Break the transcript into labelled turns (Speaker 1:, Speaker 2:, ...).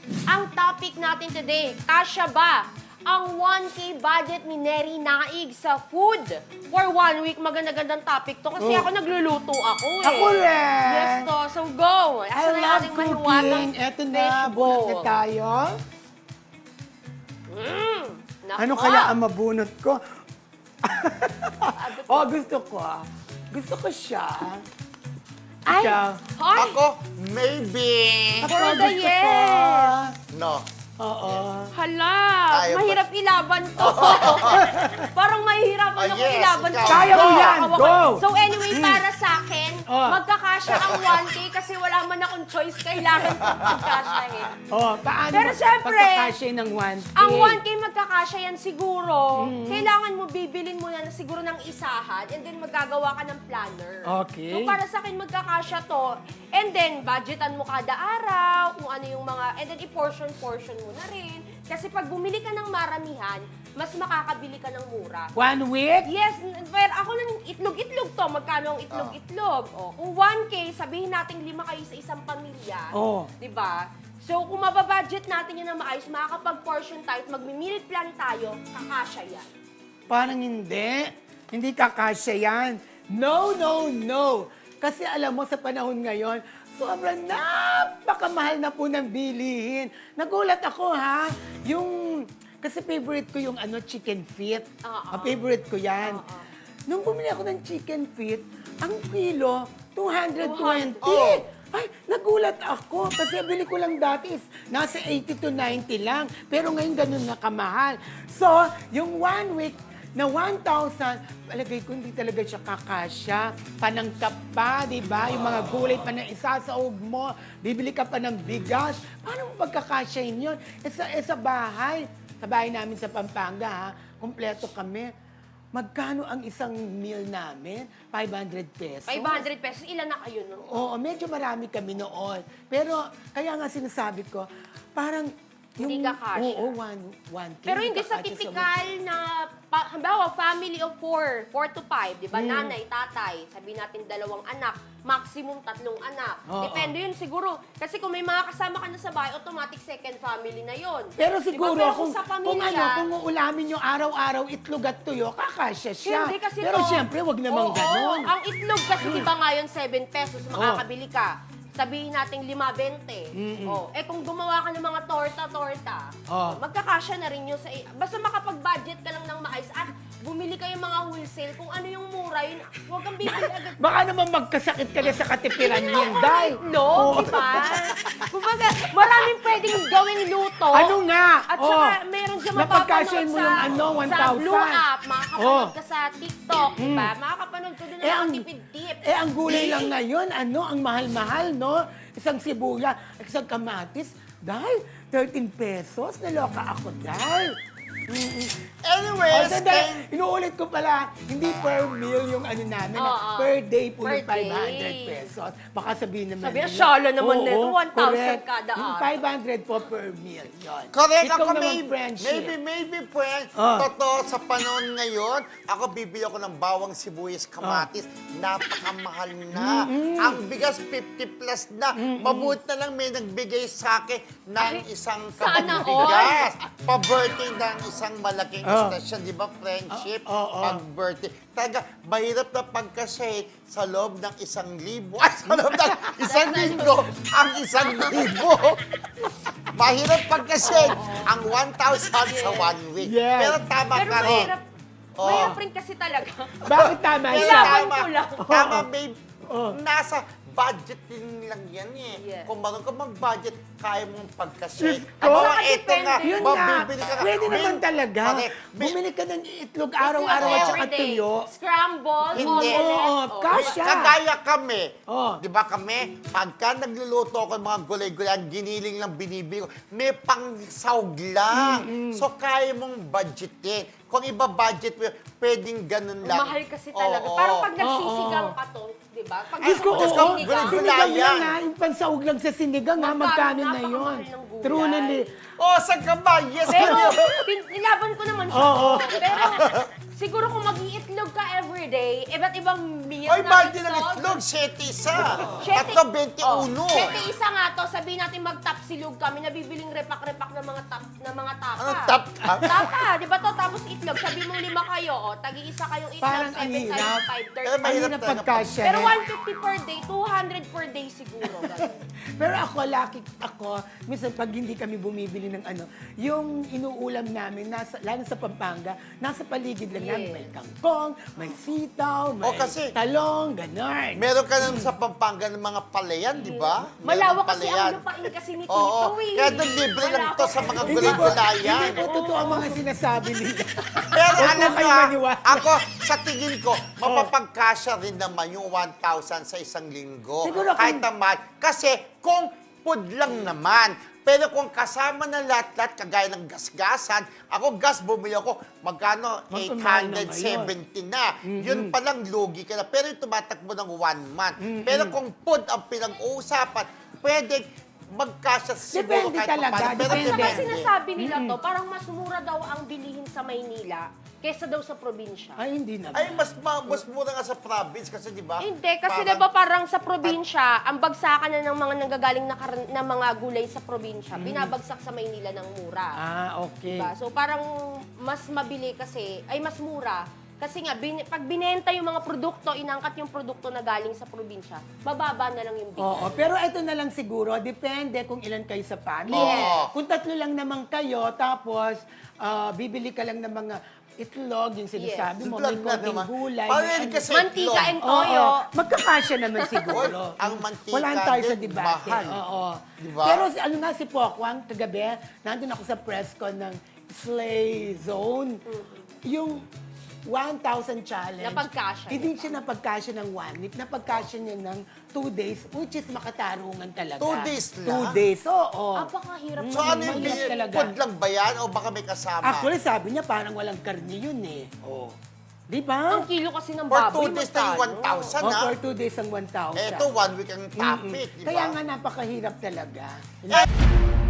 Speaker 1: Ang topic natin today, kasya ba ang 1K budget ni Neri Naig sa food? For 1 week, maganda-gandang topic to kasi ako nagluluto ako eh.
Speaker 2: Ako rin.
Speaker 1: Yes to, so go.
Speaker 2: I
Speaker 1: Asan na
Speaker 2: love
Speaker 1: ating mahiwagang
Speaker 2: cooking. Eto na,
Speaker 1: fish
Speaker 2: bunot na
Speaker 1: bowl?
Speaker 2: tayo.
Speaker 1: Naku,
Speaker 2: Ano kaya ang mabunot ko? Oh, gusto ko. Gusto ko siya.
Speaker 1: Ay,
Speaker 2: Ikaw.
Speaker 1: hoy,
Speaker 3: Ako, maybe.
Speaker 2: Ako,
Speaker 1: for the
Speaker 2: gusto ko.
Speaker 1: yes.
Speaker 3: No.
Speaker 2: Oo.
Speaker 1: Hala,
Speaker 3: Ayaw ba?
Speaker 1: mahirap ilaban to. Parang mahihirapan
Speaker 3: Ah,
Speaker 1: ako
Speaker 3: yes,
Speaker 1: ilaban
Speaker 3: ikaw.
Speaker 1: to.
Speaker 2: Kaya mo yan, go!
Speaker 1: So anyway, para sa akin,
Speaker 2: Oh.
Speaker 1: magkakasya ang 1K kasi wala man akong choice, kailangan kong magkasyahin.
Speaker 2: Oh, paano
Speaker 1: Pero syempre,
Speaker 2: pagkakasya ng 1K?
Speaker 1: Ang 1K magkakasya yan siguro, kailangan mo bibilin mo na siguro ng isahan and then magagawa ka ng planner.
Speaker 2: Okay.
Speaker 1: So para sa akin magkakasya to and then budgetan mo kada araw kung ano yung mga, and then i-portion-portion mo na rin. Kasi pag bumili ka ng maramihan, mas makakabili ka ng mura.
Speaker 2: 1 week?
Speaker 1: Yes, pero ako lang itlog-itlog to. Magkano ang itlog-itlog? O, kung 1K, sabihin natin 5 kayo sa isang pamilya.
Speaker 2: Oh.
Speaker 1: Di ba? So, kung mababudget natin yan na maayos, makakapag-portion tayo at mag-meal plan tayo, kakasya yan.
Speaker 2: Parang hindi. Hindi kakasya yan. No, no, no. Kasi alam mo, sa panahon ngayon, sobrang napakamahal na po ng bilihin. Nagulat ako, ha? Kasi favorite ko yung chicken feet. Favorite ko yan. Nung bumili ako ng chicken feet, ang kilo, 220.
Speaker 3: Oh.
Speaker 2: Ay, nagulat ako. Kasi bili ko lang dati is nasa 80 to 90 lang. Pero ngayon ganun na kamahal. So, yung 1 week na 1,000, palagay ko hindi talaga siya kakasya. Panangkap pa, di ba? Yung mga gulay pa na isasaog mo. Bibili ka pa ng bigas. Paano mo pagkakasyahin yun? Sa bahay. Sa bahay namin sa Pampanga, ha? Kompleto kami. Magkano ang isang meal namin? 500 pesos.
Speaker 1: 500 pesos, ilan na kayo nun?
Speaker 2: Oo, medyo marami kami noon. Pero, kaya nga sinasabi ko, parang
Speaker 1: Hindi kakasya.
Speaker 2: Oo, 1K.
Speaker 1: Pero hindi sa typical na, halimbawa, family of 4 to 5, di ba? Nanay, tatay, sabi natin 2 anak, maximum 3 anak.
Speaker 2: Oo.
Speaker 1: Depende yun siguro. Kasi kung may mga kasama ka na sa bahay, automatic second family na yun.
Speaker 2: Pero siguro,
Speaker 1: Pero
Speaker 2: kung,
Speaker 1: sa
Speaker 2: kung
Speaker 1: pamilya,
Speaker 2: kung uulamin yung araw-araw itlog at tuyo, kakasya siya.
Speaker 1: Hindi kasi
Speaker 2: Pero
Speaker 1: to,
Speaker 2: siyempre, wag namang
Speaker 1: oo,
Speaker 2: ganon.
Speaker 1: Ang itlog kasi di ba ngayon 7 pesos, makakabili ka. Sabihin natin 5.20. Oh, kung gumawa ka ng mga torta-torta, magkakasya na rin yun sa... Basta makapag-budget ka lang ng maayos at bumili kayo mga wholesale. Kung ano yung mura, yun, huwag kang bibili agad.
Speaker 2: Baka naman magkasakit ka na sa katipiran niyan, dahil.
Speaker 1: No, di ba? Kumbaga, maraming pwedeng gawing luto.
Speaker 2: Ano nga?
Speaker 1: At saka, meron dyan
Speaker 2: Napagkasyahin mo
Speaker 1: mapapanood
Speaker 2: yung
Speaker 1: sa
Speaker 2: 1,000.
Speaker 1: Blue App, makakapanood ka sa TikTok, di ba? Makakapanood ka doon ng mga tipid-tips.
Speaker 2: ang gulay lang ngayon, ang mahal-mahal, no? Isang sibuya, isang kamatis, dahil 13 pesos, naloka ako, dahil.
Speaker 3: Anyways,
Speaker 2: Inuulit ko pala, hindi per meal yung namin, per day po yung
Speaker 1: Per
Speaker 2: 500
Speaker 1: day.
Speaker 2: pesos. Baka sabihin naman
Speaker 1: Sabi na,
Speaker 2: nila,
Speaker 1: shala naman
Speaker 2: oo,
Speaker 1: nito, 1,000
Speaker 2: correct.
Speaker 1: kada
Speaker 2: Yung
Speaker 1: araw.
Speaker 2: 500 po per meal, yun.
Speaker 3: correct
Speaker 2: Ikaw
Speaker 3: ako,
Speaker 2: naman, friendship.
Speaker 3: maybe, friend. Totoo, sa panahon ngayon, ako bibili ako ng bawang sibuyas kamatis. Napakamahal na. Ang bigas, 50 plus na. Mabuti na lang may nagbigay sa akin ng isang
Speaker 1: sana
Speaker 3: bigas. Pa-birthday ng isang malaking istasyon, di ba, friendship?
Speaker 2: Oo.
Speaker 3: Pag-birthday. Talaga, mahirap na pagkasay sa loob ng 1,000. Ay, sa loob ng 1,000, ang 1,000. Mahirap pagkasay ang 1,000 sa 1 week.
Speaker 2: Yes.
Speaker 3: Pero tama
Speaker 1: Pero
Speaker 3: ka rin.
Speaker 1: mahirap rin kasi talaga.
Speaker 2: Bakit tama
Speaker 3: Pero
Speaker 2: siya?
Speaker 1: Kailangan ko lang.
Speaker 3: Tama, babe.
Speaker 2: Oo.
Speaker 3: Nasa budget din lang yan eh.
Speaker 1: Yes.
Speaker 3: Kung marunong ka mag-budget, kaya mong pagkasay.
Speaker 2: Diyos ko.
Speaker 3: At saka
Speaker 1: Saka
Speaker 3: eto nga,
Speaker 1: depende.
Speaker 2: Yun nga,
Speaker 3: mabibili ka.
Speaker 2: pwede naman talaga.
Speaker 3: Correct.
Speaker 2: Bumili ka ng itlog araw-araw at saka
Speaker 1: Everyday.
Speaker 2: tuyo.
Speaker 1: Scramble,
Speaker 3: Hindi.
Speaker 1: omelette.
Speaker 2: Oo, kasya.
Speaker 3: Kagaya kami.
Speaker 2: Oh.
Speaker 3: Di ba kami, pagka nagluluto ako ng mga gulay-gulay, ang giniling lang binibili ko, may pang-sahog lang. So, kaya mong budgetin. Kung iba budget mo, pwedeng ganun lang.
Speaker 1: Mahal kasi talaga.
Speaker 3: Oo.
Speaker 1: Parang pag nagsisigang ka to, di ba? Pag
Speaker 2: Diyos ko,
Speaker 3: Diyos ko,
Speaker 2: oo.
Speaker 3: gulay-gulay
Speaker 2: Sinigang
Speaker 3: yan.
Speaker 2: lang ha. Yung pansaog lang sa sinigang ha. Magkano na
Speaker 1: Napakamahal
Speaker 2: yun?
Speaker 1: ng gulay.
Speaker 2: Truly.
Speaker 3: Oh, saan ka ba? Yes,
Speaker 1: Pero,
Speaker 3: ganyan.
Speaker 1: nilaban ko naman siya.
Speaker 2: Oo.
Speaker 1: Pero, Siguro kung mag-iitlog ka everyday, iba't ibang meal
Speaker 3: Oy,
Speaker 1: na
Speaker 3: mahal din ang itlog. 7 isa. Tatlo, 21.
Speaker 1: 7 isa nga to, sabihin natin mag-tapsilog kami, nabibiling repak-repak ng mga tapa.
Speaker 3: Anong tap?
Speaker 1: Tapa, di ba to? Tapos itlog, sabi mo 5 kayo, tagi-isa kayong itlog,
Speaker 2: Parang
Speaker 1: 7
Speaker 2: ang
Speaker 1: times
Speaker 2: hirap.
Speaker 1: 5,
Speaker 3: Pero
Speaker 1: 30.
Speaker 3: mahirap
Speaker 2: Ano na
Speaker 3: talaga
Speaker 2: pagkasya?
Speaker 1: Pero 150 per day, 200 per day siguro. ganun.
Speaker 2: Pero ako, lucky ako, minsan pag hindi kami bumibili ng ano, yung inuulam namin, lalo sa Pampanga, nasa paligid lang namin.
Speaker 1: Yes.
Speaker 2: May kangkong, may sitaw, may
Speaker 3: kasi-
Speaker 2: talong, ganon.
Speaker 3: Meron ka naman sa Pampanga ng mga palayan, di ba?
Speaker 1: Malawak
Speaker 3: Meron
Speaker 1: kasi
Speaker 3: palayan.
Speaker 1: ang lupain kasi ni Tito
Speaker 3: Oo,
Speaker 1: eh.
Speaker 3: kaya doon libre lang to sa mga
Speaker 2: Hindi po,
Speaker 3: gulay-gulayan.
Speaker 2: hindi po totoo ang mga sinasabi nila.
Speaker 3: Pero
Speaker 2: Huwag
Speaker 3: alam
Speaker 2: po kayo
Speaker 3: nyo,
Speaker 2: maniwala.
Speaker 3: ako, sa tingin ko, mapapagkasya rin naman yung 1,000 sa isang linggo.
Speaker 2: Siguro kung-
Speaker 3: Kahit naman. Kasi kung food lang naman, pero kung kasama na lahat-lahat, kagaya ng gasgasan, ako gas, bumili ako, magkano?
Speaker 2: Magkano na
Speaker 3: 870 na. Yun palang lugi ka na. Pero yung tumatakbo ng 1 month. Pero kung food ang pinag-uusapan, pwede magkasya siguro
Speaker 2: Depende
Speaker 3: kahit
Speaker 2: talaga,
Speaker 3: papaano. Pero
Speaker 2: depende.
Speaker 1: Saka
Speaker 3: depende.
Speaker 1: sinasabi nila to, parang mas mura daw ang bilihin sa Maynila kesa daw sa probinsya.
Speaker 2: Ay, hindi na.
Speaker 3: Ay, mas mura nga sa province kasi, di ba?
Speaker 1: Hindi, kasi
Speaker 3: parang-
Speaker 1: diba parang sa probinsya, ang bagsakan na ng mga nanggagaling na mga gulay sa probinsya, binabagsak sa Maynila ng mura.
Speaker 2: Ah, okay.
Speaker 1: Diba? So parang mas mabili kasi, ay mas mura. Kasi nga, pag binenta yung mga produkto, inangkat yung produkto na galing sa probinsya, mababa na lang yung bili.
Speaker 2: Oo, pero ito na lang siguro, depende kung ilan kayo sa family.
Speaker 3: Yes.
Speaker 2: Kung 3 lang naman kayo, tapos bibili ka lang ng mga itlog, yung sinasabi mo, may
Speaker 3: Itlog na
Speaker 2: konting
Speaker 3: naman.
Speaker 2: gulay.
Speaker 3: Parang
Speaker 2: may
Speaker 3: yun
Speaker 2: ano.
Speaker 3: kasi
Speaker 1: Mantika
Speaker 3: itlog.
Speaker 1: and
Speaker 2: Oo,
Speaker 1: toyo.
Speaker 2: magkakasya naman siguro.
Speaker 3: Oy, ang mantika
Speaker 2: Wala tayo sa
Speaker 3: din,
Speaker 2: debate.
Speaker 3: mahal.
Speaker 2: Oo.
Speaker 3: Diba?
Speaker 2: Pero ano nga si Pokwang, kagabi, nandun ako sa press con ng Slay Zone. Yung 1,000 challenge.
Speaker 1: Napagkasya
Speaker 2: Hindi
Speaker 1: niya.
Speaker 2: siya napagkasya ng 1 week. Napagkasya niya ng 2 days, which is makatarungan talaga.
Speaker 3: 2 days
Speaker 2: 2
Speaker 3: lang?
Speaker 2: days, oo.
Speaker 1: Apakahirap.
Speaker 3: So ano yung
Speaker 2: Mahirap talaga.
Speaker 3: food lang ba yan o baka may kasama?
Speaker 2: Actually, sabi niya parang walang karne yun eh. Oh. Di ba?
Speaker 1: Ang kilo kasi ng
Speaker 3: For
Speaker 1: baboy,
Speaker 3: 2 days na yung
Speaker 1: magkano?
Speaker 3: 1,000
Speaker 2: Oh,
Speaker 3: na.
Speaker 2: for 2 days ang 1,000.
Speaker 3: Eto, 1 week ang topic, di ba?
Speaker 2: Kaya nga napakahirap talaga.
Speaker 3: Eh,